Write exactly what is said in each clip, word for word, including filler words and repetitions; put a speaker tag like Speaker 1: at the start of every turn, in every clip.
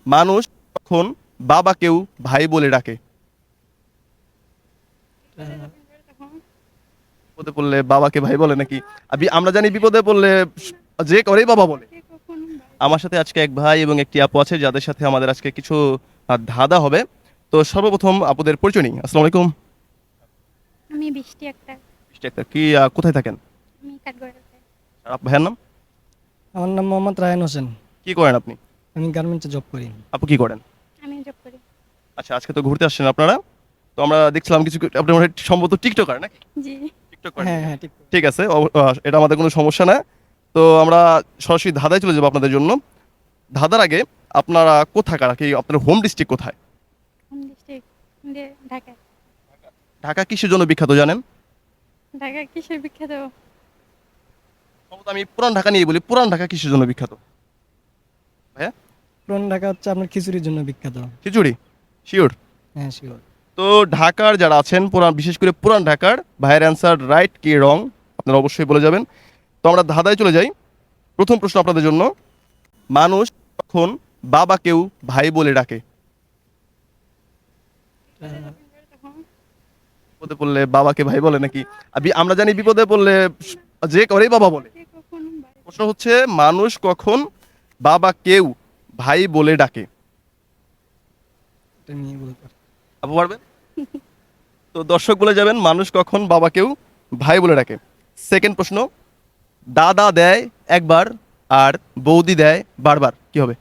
Speaker 1: মানুষ তখন বাবাকেও ভাই বলে ডাকে। বিপদে পড়লে বাবাকে ভাই বলে নাকি? আবি- আমরা জানি বিপদে পড়লে যে করেই বাবা বলে। আমার সাথে আজকে এক ভাই এবং একটি আপু আছে যাদের সাথে আমাদের আজকে কিছু আহ, ধাঁধা হবে। তো সর্বপ্রথম আপুদের পরিচয় নিই। আসসালামু আলাইকুম।
Speaker 2: আমি বৃষ্টি আক্তার।
Speaker 1: মিস্টার আক্তার, কি আহ, কোথায় থাকেন?
Speaker 2: আমি কাঠগড়াতে।
Speaker 1: আর আপ- ভাইয়ের নাম?
Speaker 3: আমার নাম মোহাম্মদ রায়হান হোসেন।
Speaker 1: কি করেন আপনি?
Speaker 3: আমি গার্মেন্টসে জব করি।
Speaker 1: আপু কি করেন?
Speaker 2: আমি জব করি।
Speaker 1: আচ্ছা, আজকে তো ঘুরতে আসছেন আপনারা। তো আমরা দেখছিলাম কিছু, আপনি মনে হয় সম্ভবত টিকটকার নাকি?
Speaker 2: জি।
Speaker 1: টিকটক করেন?
Speaker 3: হ্যাঁ হ্যাঁ ঠিক।
Speaker 1: ঠিক আছে, অব- আহ, এটা আমাদের কোনো সমস্যা না। তো আমরা সরাসরি ধাঁধায় চলে যাবো আপনাদের জন্য। ধাঁধার আগে আপনারা কোথাকার, কি আপনার হোম ডিস্ট্রিক্ট কোথায়?
Speaker 2: Home district Dhaka.
Speaker 1: ঢাকা কিসের জন্য বিখ্যাত জানেন?
Speaker 2: ঢাকা কিসের বিখ্যাত?
Speaker 1: সম্ভবত আমি পুরান ঢাকা নিয়ে বলি, পুরান ঢাকা কিসের জন্য বিখ্যাত ভাইয়া?
Speaker 3: পুরান ঢাকা হচ্ছে আপনার খিচুড়ির জন্য বিখ্যাত।
Speaker 1: খিচুড়ি? শিওর?
Speaker 3: হ্যাঁ শিওর।
Speaker 1: তো ঢাকার যারা আছেন পুরান, বিশেষ করে পুরান ঢাকার, ভাইয়ের অ্যান্সার রাইট কি রং আপনারা অবশ্যই বলে যাবেন। তো আমরা ধাঁধায় চলে যাই। প্রথম প্রশ্ন আপনাদের জন্য, মানুষ তখন বাবাকেও ভাই বলে ডাকে। বিপদে পড়লে বাবাকে ভাই বলে নাকি? আবি- আমরা জানি বিপদে পড়লে যে করেই বাবা বলে। প্রশ্ন হচ্ছে মানুষ কখন বাবাকেও ভাই বলে ডাকে।
Speaker 3: এটা নিয়ে বলতে পারি।
Speaker 1: আপু পারবেন? তো দর্শক বলে যাবেন মানুষ কখন বাবাকেও ভাই বলে ডাকে। সেকেন্ড প্রশ্ন, দাদা দেয় একবার আর বৌদি দেয় বারবার, কি হবে?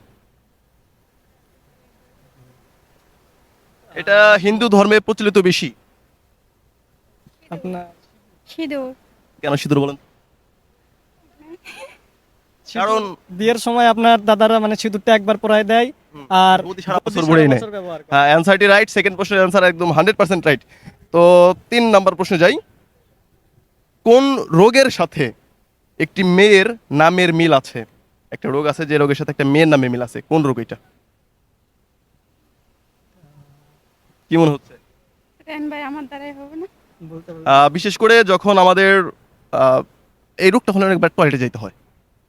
Speaker 1: এটা হিন্দু ধর্মে প্রচলিত বেশি।
Speaker 3: আপনার
Speaker 2: সিঁদুর।
Speaker 1: কেন সিঁদুর বলেন? কারণ
Speaker 3: বিয়ের সময় আপনার দাদারা মানে সিঁদুরটা একবার পরায় দেয় আর
Speaker 1: বৌদি সারা
Speaker 3: বৌদি
Speaker 1: বছর
Speaker 3: সারা
Speaker 1: ভরেই নেয়।
Speaker 3: বছর ব্যবহার করে।
Speaker 1: হ্যাঁ, অ্যান্সারটি রাইট। সেকেন্ড প্রশ্নের অ্যান্সার একদম হান্ড্রেড পার্সেন্ট রাইট। তো তিন নাম্বার প্রশ্নে যাই। কোন রোগের সাথে একটি মেয়ের নামের মিল আছে? একটা রোগ আছে যে রোগের সাথে একটা মেয়ের নামে মিল আছে, কোন রোগ এটা? কি মনে হচ্ছে?
Speaker 2: রেন ভাই আমার দ্বারাই হবে না।
Speaker 3: বলতে পারি।
Speaker 1: আহ, বিশেষ করে যখন আমাদের আহ, এই রোগটা হলে অনেকবার টয়লেটে যেতে হয়।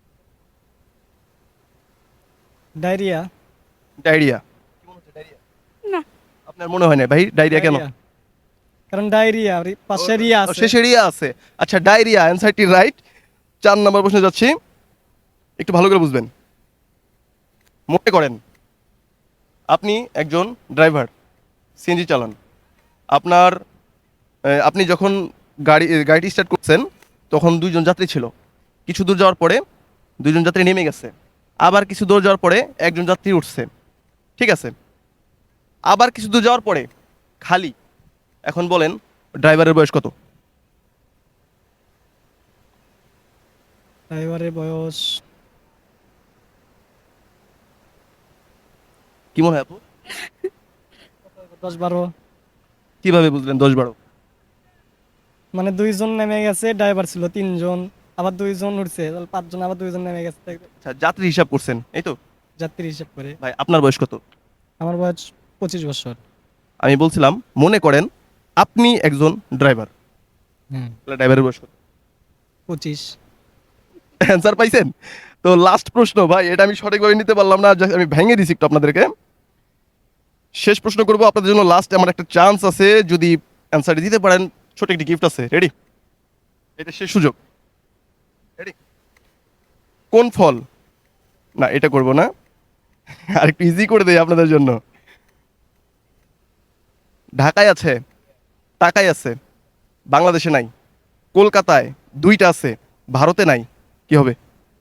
Speaker 3: ডায়রিয়া।
Speaker 1: ডায়রিয়া?
Speaker 2: না।
Speaker 1: আপনার মনে হয় না ভাই ডায়রিয়া কেন?
Speaker 3: ডায়রিয়া। কারণ ডায়রিয়া আর পাশে রিয়া
Speaker 1: ও,
Speaker 3: আছে।
Speaker 1: শেষে রিয়া আছে। আচ্ছা, ডায়রিয়া অ্যান্সারটি রাইট। চার নম্বর প্রশ্নে যাচ্ছি, একটু ভালো করে বুঝবেন। মনে করেন আপনি একজন ড্রাইভার, সিএনজি চালান। আপনার আহ, আপনি যখন গাড়ি গাড়িটি স্টার্ট করছেন তখন দুইজন যাত্রী ছিল। কিছু দূর যাওয়ার পরে দুইজন যাত্রী নেমে গেছে। আবার কিছু দূর যাওয়ার পরে একজন যাত্রী উঠছে। ঠিক আছে, আবার কিছু দূর যাওয়ার পরে খালি। এখন বলেন ড্রাইভারের বয়স কত?
Speaker 3: ড্রাইভারের বয়স
Speaker 1: কি মনে হয় আপু?
Speaker 3: দশ বারো।
Speaker 1: কিভাবে বুঝলেন দশ বারো?
Speaker 3: মানে দুইজন নেমে গেছে, ড্রাইভার ছিল তিনজন, আবার দুইজন উঠছে, তাহলে পাঁচজন, আবার দুইজন নেমে গেছে,
Speaker 1: আচ্ছা, যাত্রী হিসাব করছেন এই তো।
Speaker 3: যাত্রী হিসাব করে।
Speaker 1: ভাই আপনার বয়স কত?
Speaker 3: আমার বয়স পঁচিশ বছর।
Speaker 1: আমি বলছিলাম মনে করেন আপনি একজন ড্রাইভার,
Speaker 3: হ্যাঁ
Speaker 1: ড্রাইভারের বয়স কত?
Speaker 3: পঁচিশ।
Speaker 1: অ্যান্সার পাইছেন? তো লাস্ট প্রশ্ন ভাই, এটা আমি সঠিকভাবে নিতে পারলাম না, just আমি ভেঙে দিছি একটু আপনাদেরকে। শেষ প্রশ্ন করবো আপনাদের জন্য, লাস্ট আমার একটা চান্স আছে, যদি অ্যান্সারটি দিতে পারেন ছোট একটি গিফট আছে। রেডি? এটা শেষ সুযোগ। রেডি? কোন ফল, না এটা করব না, আর একটু ইজি করে দেই আপনাদের জন্য। ঢাকায় আছে, টাকায় আছে, বাংলাদেশে নাই, কলকাতায় দুইটা আছে, ভারতে নাই, কি হবে?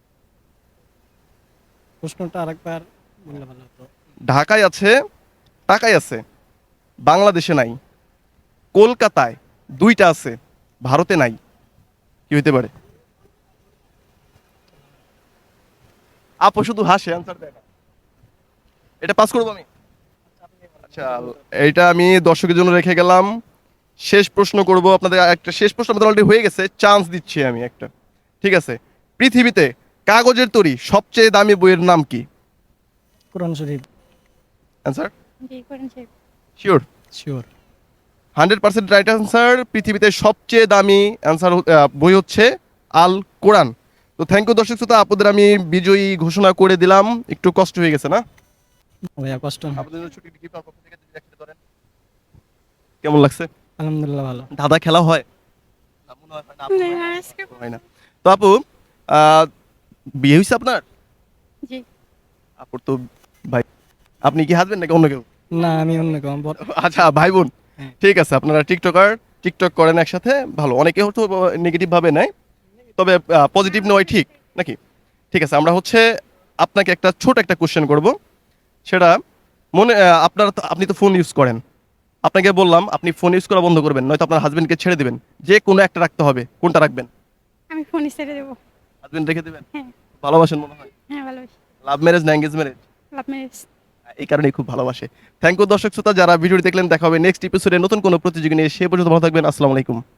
Speaker 3: প্রশ্নটা আরেকবার বললে ভালো হতো।
Speaker 1: ঢাকায় আছে, টাকায় আছে, বাংলাদেশে নাই, কলকাতায় দুইটা আছে, ভারতে নাই, কি হইতে পারে? আপু শুধু হাসে, অ্যান্সার দেয় না। এটা পাস করবো আমি? আচ্ছা, এইটা আমি দর্শকের জন্য রেখে গেলাম। শেষ প্রশ্ন করব আপনাদের, একটা শেষ প্রশ্ন আমাদের অলরেডি হয়ে গেছে, চান্স দিচ্ছি আমি একটা। ঠিক আছে, পৃথিবীতে কাগজের তৈরি সবচেয়ে দামি বইয়ের নাম কি?
Speaker 3: কোরআন শরীফ।
Speaker 1: অ্যান্সার
Speaker 2: জি করেন সে।
Speaker 1: Sure?
Speaker 3: Sure.
Speaker 1: Hundred percent right answer. পৃথিবীতে সবচেয়ে দামি অ্যান্সার বই হচ্ছে আল কোরআন। তো থ্যাংক ইউ দর্শক শ্রোতা, আপনাদের আমি বিজয়ী ঘোষণা করে দিলাম। একটু কষ্ট হয়ে গেছে না?
Speaker 3: ভাইয়া কষ্ট না।
Speaker 1: আপনাদের জন্য ছুটি কি পক্ষ থেকে যদি একসাথে ধরেন কেমন লাগছে?
Speaker 3: আলহামদুলিল্লাহ ভালো।
Speaker 1: ধাঁধা খেলা হয় না? মনে হয় হয় না, আপু হয় না?
Speaker 2: না, আজকে
Speaker 1: হয় না। তো আপু আহ, বিয়ে হয়েছে আপনার?
Speaker 2: জি।
Speaker 1: আপুর তো ভাই, আপনি কি হাজবেন্ড নাকি অন্য কেউ?
Speaker 3: না আমি অন্য কেউ বড়।
Speaker 1: আচ্ছা ভাই বোন,
Speaker 3: হ্যাঁ।
Speaker 1: ঠিক আছে। আপনারা টিকটকার, টিকটক করেন একসাথে, ভালো। অনেকে হয়তো নেগেটিভ ভাবে নেয়, তবে পজিটিভ নেওয়াই ঠিক নাকি? ঠিক আছে, আমরা হচ্ছে আপনাকে একটা ছোট একটা কোশ্চেন করব। সেটা মনে আহ, আপনার তো- আপনি তো ফোন ইউজ করেন, আপনাকে বললাম আপনি ফোন ইউজ করা বন্ধ করবেন, নয়তো আপনার হাজবেন্ডকে ছেড়ে দিবেন। যে কোনো একটা রাখতে হবে, কোনটা রাখবেন?
Speaker 2: আমি ফোনই ছেড়ে দেবো।
Speaker 1: হাজবেন্ড রেখে দিবেন?
Speaker 2: হ্যাঁ।
Speaker 1: ভালোবাসেন মনে হয়।
Speaker 2: হ্যাঁ, ভালোবাসি।
Speaker 1: লাভ ম্যারেজ না এঙ্গেজ ম্যারেজ?
Speaker 2: Love marriage.
Speaker 1: এই কারণেই খুব ভালোবাসে। থ্যাংক ইউ দর্শক শ্রোতা, যারা ভিডিওটি দেখলেন। দেখা হবে নেক্সট এপিসোডে নতুন কোনো প্রতিযোগী নিয়ে। সে পর্যন্ত ভালো থাকবেন। আসসালামু আলাইকুম।